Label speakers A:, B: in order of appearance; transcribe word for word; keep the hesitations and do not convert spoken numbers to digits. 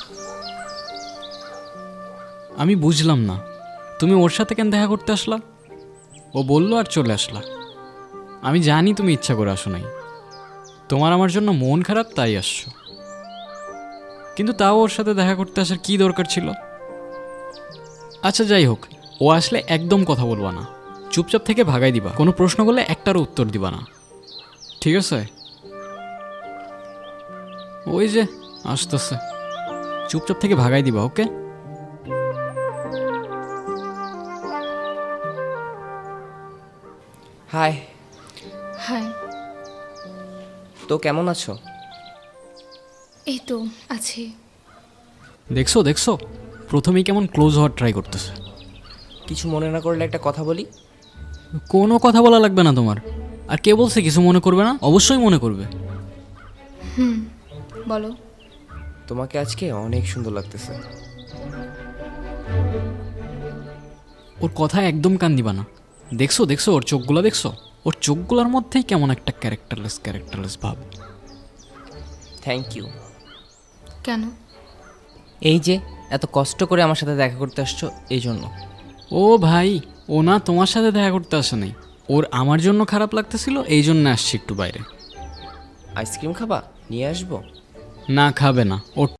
A: আমি বুঝলাম না, তুমি ওর সাথে কেন দেখা করতে আসলা? ও বললো আর চলে আসলা। আমি জানি তুমি ইচ্ছা করে আসো নাই, তোমার আমার জন্য মন খারাপ তাই আসছো। কিন্তু তাও ওর সাথে দেখা করতে আসার কি দরকার ছিল? আচ্ছা যাই হোক, ও আসলে একদম কথা বলবা না, চুপচাপ থেকে ভাগাই দিবা। কোনো প্রশ্ন করলে একটারও উত্তর দিবা না, ঠিক আছে? ওই যে আসতেছে, চুপচাপ থেকে ভাগাই দিবা, ওকে?
B: হাই।
C: হাই।
B: তো কেমন আছো?
C: এই তো আছি।
A: দেখছো দেখছো, প্রথমেই কেমন ক্লোজ হওয়ার ট্রাই করতেছে।
B: কিছু মনে না করলে একটা কথা বলি।
A: কোনো কথা বলা লাগবে না তোমার। আর কে বলছে কিছু মনে করবে না? অবশ্যই মনে করবে।
C: হুম, বলো।
B: তোমাকে আজকে অনেক সুন্দর লাগতেছে।
A: ওর কথা একদম কান দিবা না। দেখছো দেখছো ওর চোখগুলো দেখছো? ওর চোখগুলোর মধ্যেই কেমন একটা ক্যারেক্টারলেস ক্যারেক্টারলেস ভাব।
B: Thank you.
C: কেন?
B: এই যে এত কষ্ট করে আমার সাথে দেখা করতে আসছো এই জন্য।
A: ও ভাই, ও না তোমার সাথে দেখা করতে আসে নাই, ওর আমার জন্য খারাপ লাগতেছিল, এই জন্য আসছি একটু বাইরে।
B: আইসক্রিম খাবা? নিয়ে আসবো?
A: না খাবে না, ওর